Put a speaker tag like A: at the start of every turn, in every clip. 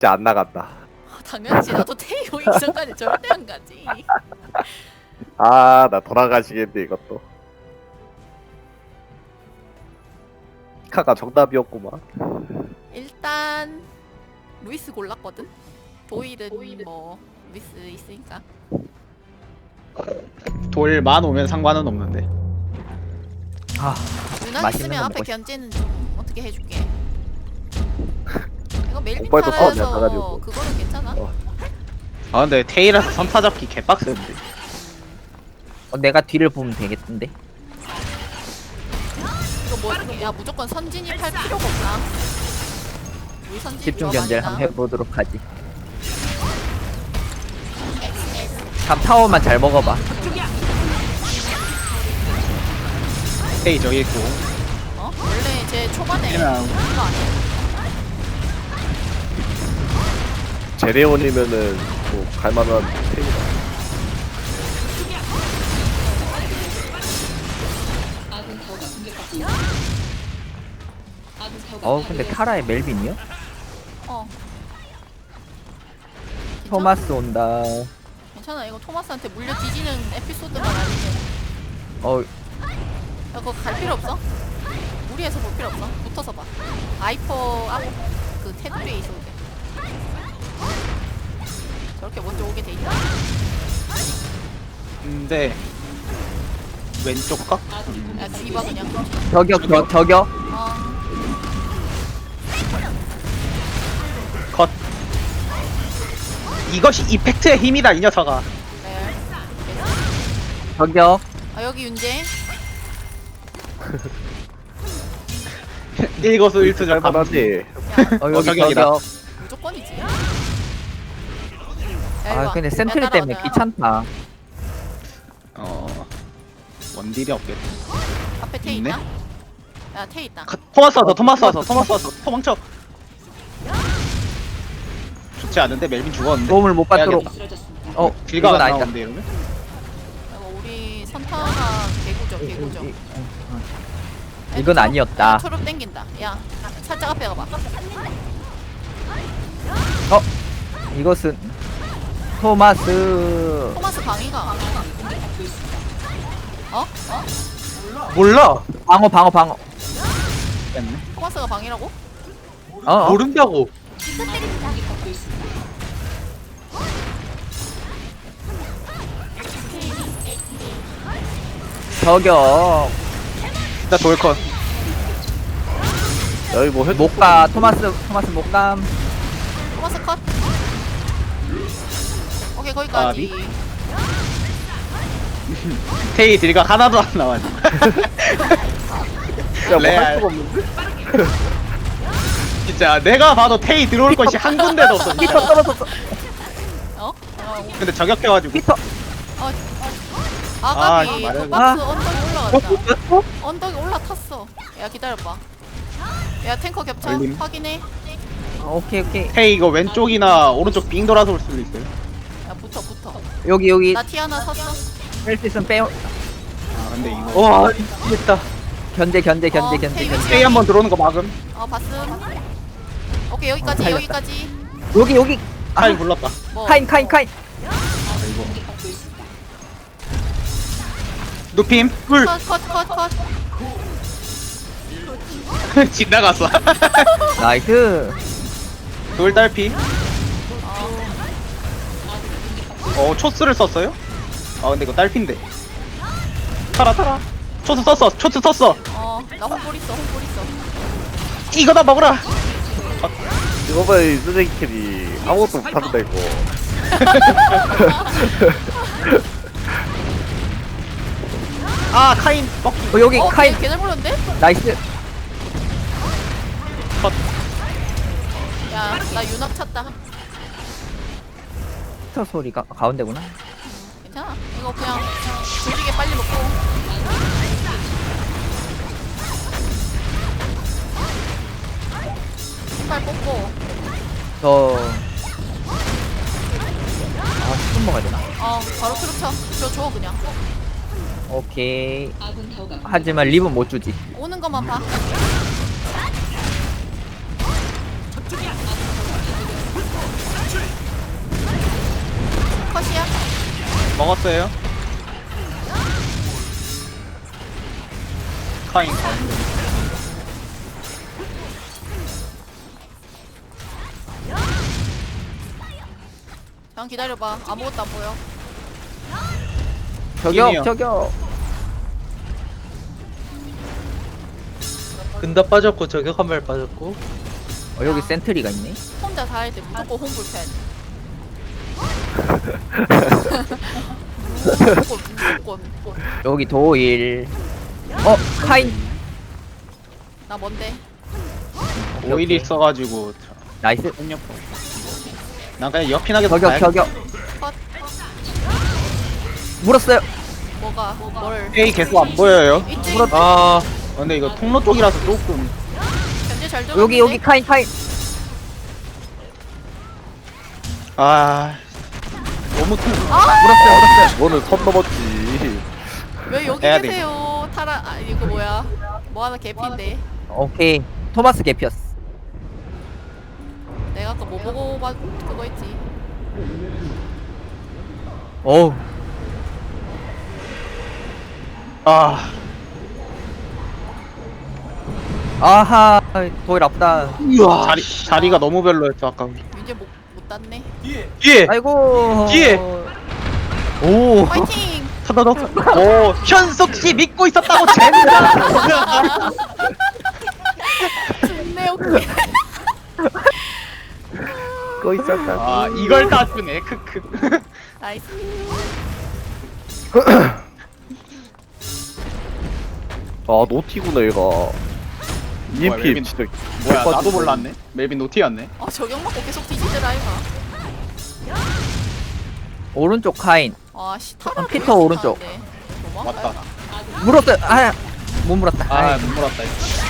A: 진짜 안 나간다.
B: 당연하지. 나도 테이 오기 전까지 절대 안 가지.
A: 아, 나 돌아가시겠네 이것도. 피카가 정답이었구만.
B: 일단 루이스 골랐거든. 도일은 뭐 루이스 있으니까.
C: 돌만 오면 상관은 없는데.
D: 아,
B: 유난
D: 맛있는
B: 있으면
D: 거
B: 앞에
D: 먹고 싶-
B: 견제는 좀 어떻게 해줄게. 이거 멜빈
A: 오빠도 싸움이 안
B: 타라여서
A: 나가지고.
B: 그거는 괜찮아.
C: 아 근데 테이라서 선타 잡기 개빡센데.
D: 내가 뒤를 보면 되겠던데.
B: 이거 뭐, 야 무조건 선진입 할 필요가 없나? 우리 선진입
D: 집중
B: 너무
D: 견제를
B: 많이
D: 한번
B: 나.
D: 해보도록 하지. 다음 타워만 잘 먹어봐.
C: 테이 저기 있고.
B: 어? 원래 제 초반에
C: 그냥-
B: 그거 아니야?
A: 제레온이면은 뭐 갈만한 테이다.
D: 근데 타라의 멜빈이요?
B: 어.
D: 토마스 온다.
B: 괜찮아. 이거 토마스한테 물려 뒤지는 에피소드만 아니면
D: 어,
B: 야, 그거 갈 필요 없어. 무리해서 볼 필요 없어. 붙어서 봐. 아이퍼 앞그 테두리에 있어도 돼. 저렇게 먼저 오게 돼 있다.
C: 근데 왼쪽 각?
B: 야 뒤봐 그냥.
D: 저격.
B: 어.
C: 컷. 이것이 이펙트의 힘이다 이 녀석아.
B: 네.
D: 저격.
B: 아 여기 윤재.
C: 일거수일투족
A: 갈만하지.
D: 여기
C: 저격이다.
D: 저격.
B: 무조건이지. 야, 이리
D: 아,
B: 와.
D: 근데
B: 야,
D: 센트리
B: 따라와,
D: 때문에
B: 따라와.
D: 귀찮다.
C: 원딜이 없겠다.
B: 앞에 테이
C: 있네?
B: 있나? 야 테이 있다.
C: 토마스 왔어. 도망쳐. 좋지 않은데 멜빈 죽었는데.
D: 도움을 못 받도록.
C: 해야겠다.
D: 이건
C: 길가 안
D: 아니다.
C: 나오는데 이러면?
B: 이거 우리 선타가 개구죠.
D: 이건 아니었다.
B: 초록 땡긴다. 야 살짝 앞에 가봐.
D: 이것은 토마스.
B: 토마스 방위가. 어?
C: 몰라.
D: 방어.
C: 뺐네.
B: 토마스가 방이라고?
C: 모른다고.
D: 저격.
C: 나 돌컷.
A: 여기 뭐 해도
D: 못가. 토마스 못감.
B: 토마스 컷. 오케이
C: 아,
B: 거기까지.
C: 테이 딜각 하나도 안 나와지.
A: 야뭐할
C: 레알.
A: 수가 없는데?
C: 진짜 내가 봐도 테이 들어올 것이 한 군데도 없어.
D: 피터
C: 진짜.
D: 떨어졌어.
B: 어?
C: 근데 저격해가지고.
D: 피터.
B: 아가비
C: 말해.
B: 그 박스 언덕에 올라갔다. 언덕에 올라탔어. 야 기다려봐. 야 탱커 겹쳐.
C: 걸림.
B: 확인해.
D: 오케이.
C: 테이 이거 왼쪽이나 오른쪽 빙 돌아서 올 수도 있어요.
B: 야 붙어.
D: 여기
B: 나 티 하나 샀어.
D: 뺄 수 있으면 빼요.
C: 아 근데 이거. 와 미치겠다.
D: 견제.
C: 테이 한번 들어오는 거 막음.
B: 봤음. 오케이 여기까지
D: 살렸다.
B: 여기까지.
D: 여기.
C: 타임 불렀다.
B: 뭐
D: 카인.
C: 누핌 꿀.
B: 컷.
C: 지나갔어.
D: 나이스.
C: 돌 딸피. 초스를 썼어요? 아 근데 이거 딸핀데. 타라. 초스 썼어.
B: 나 홍볼 있어.
C: 이거다 먹으라.
A: 이거 봐, 이 쓰레기 캐리 아무것도 못한다 이거.
C: 아 카인 먹기.
D: 여기 카인.
B: 걔잘 물렸는데?
D: 나이스.
C: 컷.
B: 야 나 윤학 찼다.
D: 피터 소리가 가운데구나.
B: 괜찮아. 이거 그냥 조직에 빨리 먹고. 신발 뽑고.
D: 스푼 먹어야 되나?
B: 바로 트럭 쳐. 줘 그냥.
D: 오케이. 하지만 립은 못 주지.
B: 오는 것만 봐.
C: 먹었어요. 카인 가운데.
B: 잠깐 기다려봐. 아무것도 안 보여.
D: 저격
C: 팀이요.
D: 저격.
E: 근다 빠졌고 저격 한 발 빠졌고.
D: 여기 센트리가 있네.
B: 혼자 다 할 때 무조건 홈불 펜. 무조건.
D: 여기 도일. 카인.
B: 나 뭔데?
C: 오일이 있어가지고
D: 나이스.
C: 폭력포. 난 그냥 옆이나게
D: 저격 저격.
B: 컷.
D: 물었어요.
B: 뭐가? 뭘?
C: A 계속 안 보여요.
B: 있지?
C: 아 근데 이거 통로 쪽이라서 조금.
B: 견제 잘 들어.
D: 여기 카인.
C: 아 너무 통.
D: 물었어요.
A: 이거는 선 넘었지.
B: 왜 여기
C: 해야 돼.
B: 계세요? 타라. 아 이거 뭐야? 뭐 하나 개피인데.
D: 오케이. 토마스 개피었어.
B: 내가 아까 뭐 보고 그거 했지.
D: 어우.
C: 아
D: 아하. 도일 아프다.
E: 우와.
C: 자리가 너무 별로였어 아까.
B: 이제 못 땄네.
E: 예.
D: 아이고.
E: 예.
D: 오.
B: 파이팅!
C: 타다닥. 오
E: 현석 씨 믿고 있었다고 젠장.
B: 좋네 오케이.
A: 꺼 있었다.
C: 아 이걸 다 주네 크크.
B: 나이스.
A: 아 노티구나 얘가. EMP
C: 멜빈.
A: 진짜.
C: 뭐야 나도 몰랐네. 멜빈 노티였네.
B: 아 저격 맞고 계속 뒤지더라 이거.
D: 오른쪽 카인.
B: 아씨 타라.
D: 피터 오른쪽.
C: 맞다.
D: 물었어요. 아. 못 물었다.
C: 아
D: 아이.
C: 못 물었다.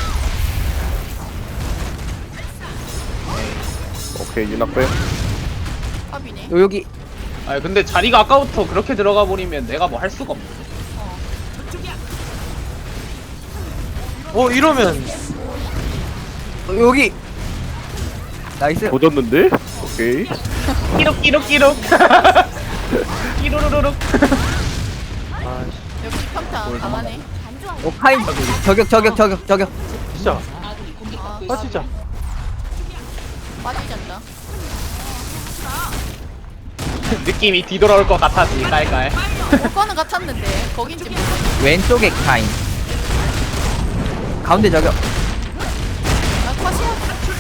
A: 오케이 유낙 빼.
B: 팝이네.
D: 여기.
C: 아 근데 자리가 아까부터 그렇게 들어가 버리면 내가 뭐 할 수가 없네.
E: 이러면
D: 여기. 나이스.
A: 도졌는데? 오케이.
C: 끼룩. 끼루루루룩.
B: 역시 평타 강하네.
D: 카인. 저격.
E: 진짜.
B: 아
E: 아 진짜.
B: 빠지잖다.
C: 느낌이 뒤돌아올 것 같았지 깔깔.
B: 올 거는 같았는데 거긴지 모르겠어.
D: 왼쪽에 카인. 가운데 저격.
B: 나 컷이야.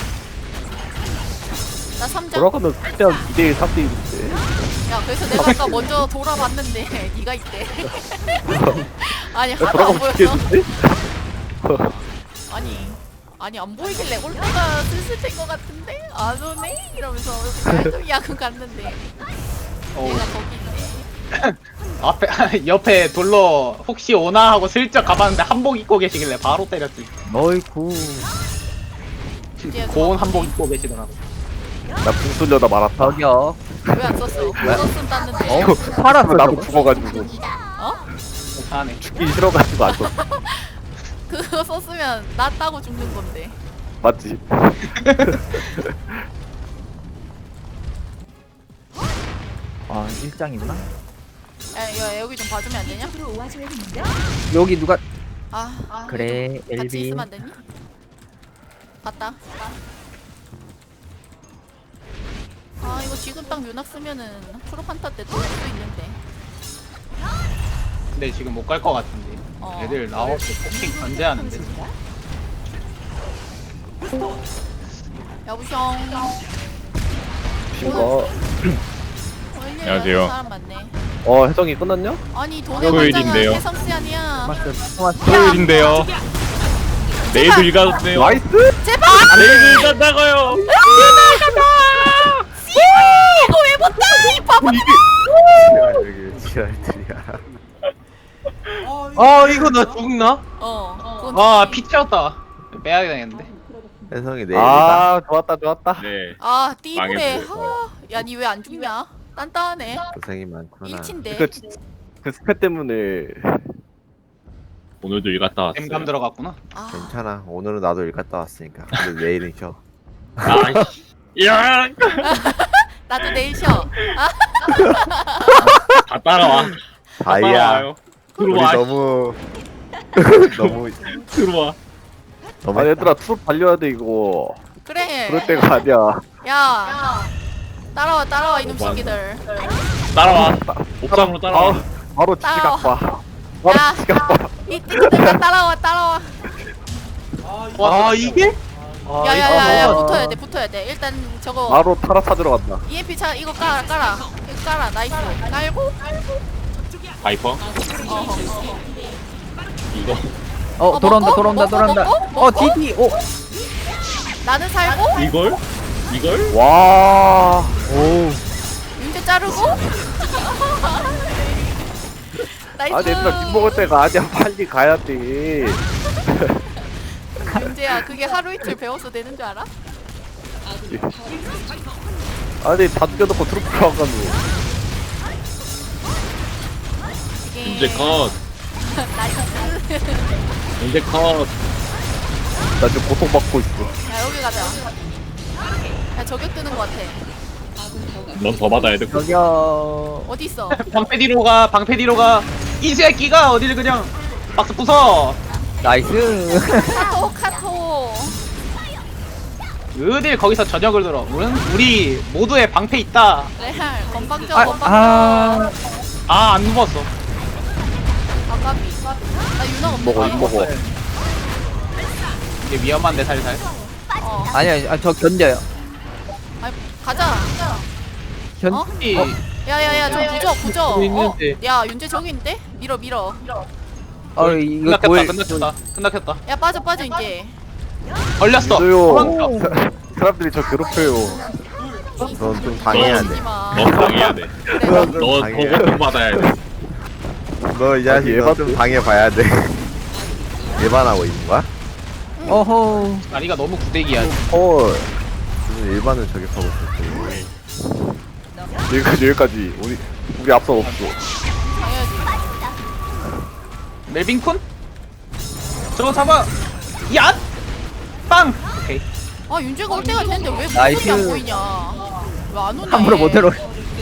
B: 나 3장.
A: 돌아가면 그냥 2대1 3대1인데.
B: 야 그래서 내가 아까 먼저 돌아봤는데 네가 있대. 아니 하나도 안
A: 돌아가면
B: 보였어.
A: 죽겠는데?
B: 아니 안 보이길래 올 때가 슬슬 된 것 같은데 안 오네 이러면서 좀 야근 갔는데 얘가 거기 있네.
C: 앞에 옆에 돌로 혹시 오나 하고 슬쩍 가봤는데 한복 입고 계시길래 바로 때렸지.
D: 어이쿠.
C: 고운 한복 입고 계시더라고.
A: 나 궁술려다 말았다.
D: 저격.
B: 왜 안 썼어? 그거 썼으면 땄는데.
D: 팔았어.
A: 나도
D: 저거.
A: 죽어가지고.
B: 어?
C: 괜찮네.
A: 죽기 싫어가지고 안 썼어.
B: 그거 썼으면 나 따고 죽는 건데.
A: 맞지?
D: 아, 일장이구나.
B: 야 여기 좀 봐주면 안 되냐?
D: 여기 누가
B: 아
D: 그래,
B: 같이
D: 엘비.
B: 있으면 안 되니? 갔다. 아 이거 지금 딱 묘낙 쓰면은 프로판타 때 또 올 수 있는데.
C: 근데 지금 못 갈 것 같은데. 애들 나와서 포킹 견제하는데.
B: 여보숑.
A: 신거.
B: 안녕하세요. 사람 많네.
A: 해성이 끝났냐?
B: 아니 돈의
F: 토요일인데요.
B: 관장은 해성씨 아니야.
F: 토요일인데요. 내일도 일 가네요.
A: 나이스!
B: 제발!
F: 내일도 일 간다고요.
B: 이거 왜 못다? 이 바보.
A: 이게 지랄들이야.
E: 이거 나 죽나?
B: 그건
C: 와피 튀었다. 빼야 되겠는데.
A: 해성이 내일. 아 좋았다.
F: 네.
B: 아 띠부래.
F: 망했어요.
B: 야니 왜 안 죽냐? 단단하네.
A: 고생이 많구나.
B: 일치인데.
A: 그 스펙 때문에
F: 오늘도 일 갔다 왔어요.
C: 엠감 들어갔구나.
B: 아
G: 괜찮아. 오늘은 나도 일 갔다 왔으니까. 근데 내일은 쉬어.
F: 아이씨. 야.
B: 나도 내일 쉬어. 아,
F: 다 따라와. 다
A: 다이아
F: 따라와요.
A: 우리
F: 들어와.
A: 너무 너무
F: 들어와.
A: 아 얘들아 트롯 달려야 돼 이거
B: 그래.
A: 그럴 때가 아니야
B: 야, 따라와 이놈 새끼들.
F: 따라와. 옥상으로 따라와.
A: 바로
B: 따라와.
A: 지각 봐 바로
B: 야.
A: 지각 봐
B: 이 띠띠들아 따라와.
C: 아 이게?
B: 야야야야 붙어야 돼. 일단 저거
A: 바로 타라 찾으러 간다
B: EMP 차 이거 깔아. 이거 깔아. 나이스. 깔고.
F: 바이퍼. 이거.
D: 돌아온다
B: 먹고?
D: 돌아온다 돌아온다.
B: 먹고?
D: 디디.
B: 나는 살고.
F: 이걸?
A: 와
B: 윤재 자르고. 나이스.
A: 아니 얘들아 밥 먹을 때가 아니야 빨리 가야 돼
B: 윤재야 그게 하루 이틀 배워서 되는 줄 알아?
A: 아니 다 죽여놓고 트로피 가가지고
B: 이게
F: 이제 컷.
B: 나이스.
F: 이제 컷.
A: 나 지금 고통받고 있어
B: 야 여기 가자. 야 저격 뜨는 거 같아.
F: 넌 더 받아야 돼.
D: 저기요.
B: 어디 있어?
C: 방패 뒤로 가. 이 새끼가 어디를 그냥 박스 부숴.
D: 나이스.
B: 카톡.
C: 어딜 거기서 저녁을 들어. 우리 모두의 방패 있다.
B: 레알 건방져.
D: 아.
C: 안 누웠어.
B: 아까비. 나 윤아
A: 먹어 먹어
C: 이게 위험한데 살살.
D: 아니야 저 견뎌요.
B: 아니 가자.
D: 견.
B: 어?
C: 이
B: 야야야 저 부져.
C: 여기 있는데.
B: 야 윤재 저기 있는데? 밀어.
D: 이거
C: 끝났겠다.
B: 야 빠져 이제.
C: 걸렸어.
A: 있어요 사람들이 저 괴롭혀요 넌 좀 당해야 돼
B: 오지 마.
F: 너 당해야 돼.
B: 그래,
F: 너
A: 당해야
F: 보고 받아야 돼.
A: 너 이 자식 좀 당해봐야 돼 일반하고 있는 거야?
D: 어허.
C: 다리가 너무 구대기야.
A: 헐 무슨 일반을 저격하고 있었어 여기까지 우리 앞서 없어
B: 당해야지.
C: 멜빈쿤? 저거 잡아. 야! 빵. 오케이.
B: 아 윤재가 올 때가 됐는데 왜
D: 나이스.
B: 무슨 안 보이냐? 왜 안 오냐?
D: 함부로
B: 얘.
D: 못 들어.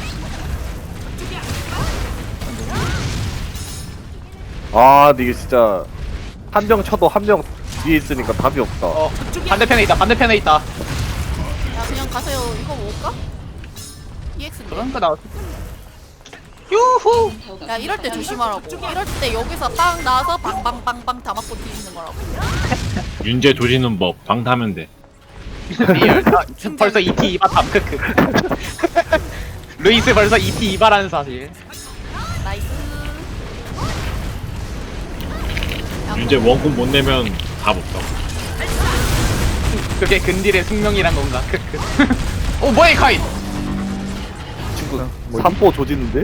A: 아 근데 이게 진짜 한 명 쳐도 한 명 뒤에 있으니까 답이 없다
C: 반대편에 있다.
B: 야 그냥 가세요. 이거 먹을까? EX인데.
C: 그러니까 나. 유후.
B: 야 이럴 때 조심하라고. 이럴 때 여기서 빵 나와서 빵빵빵빵 다 맞고 뒤지는 거라고.
F: 윤재 조지는 법. 방타면 돼.
C: 리얼. 벌써 ET 2바 담 크크. 루이스 벌써 ET 2바라는 사실.
B: 나이스. 야,
F: 윤재 원금 못 내면 답 없다.
C: 그게 근딜의 숙명이란 건가? 크크. 오 뭐야 이 카인?
A: 친구 3포 조지는데?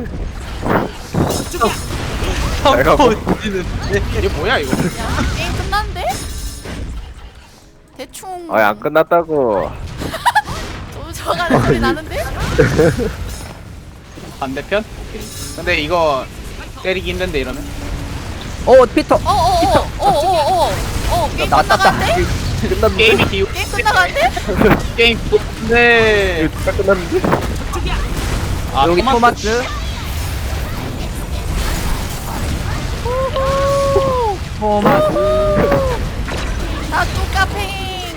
C: 이게 뭐야 이거?
B: 야 게임 끝났는데? 대충
A: 아니 안 끝났다고
B: 쫓아가는 소리 나는데?
C: 반대편? 근데 이거 때리기 힘든데 이러면?
D: 피터.
B: 게임
D: 나 땄다.
B: 끝나가는데?
A: 끝났는데?
C: 게임이 기우
B: 게임 끝나가는데?
C: 게임 네.
A: 이거 진짜 끝났는데?
C: 아
D: 여기 토마스.
B: 나 뚜까팽.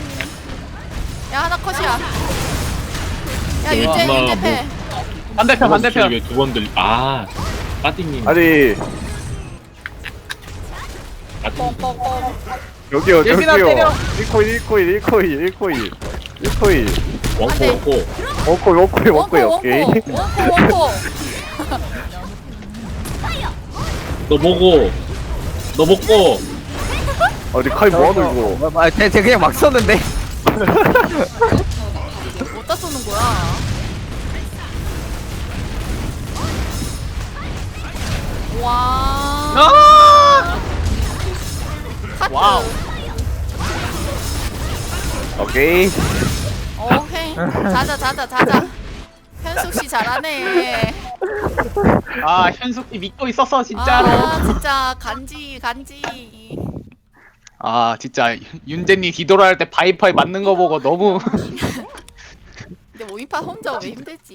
B: 야 하나 컷이야. 야 윤재
F: 엄마,
B: 윤재 패.
C: 반대편
F: 왜두 번 들리? 빠띵님.
A: 아니
B: 뻥뻥뻥.
A: 여기요
C: 예빈아
A: 저기요
C: 때려.
A: 1코인
F: 원코
B: 안 돼.
F: 원코.
A: 원코이 오케이
B: 원코.
F: 너 보고. 너 먹고.
A: 아니 카이 뭐하노 이거
D: 쟤 그냥 막 썼는데.
B: 어디다 쏘는 거야? 와.
C: 아!
B: 카트.
C: 와우.
A: 오케이
B: 오케이. 자자. 현숙 씨 잘하네.
C: 아 현숙이 믿고 있었어 진짜로.
B: 아 진짜 간지.
C: 아 진짜 윤재님 뒤돌아할 때 바이퍼에 맞는 거 보고 너무
B: 근데 모임파 혼자 왜 힘들지?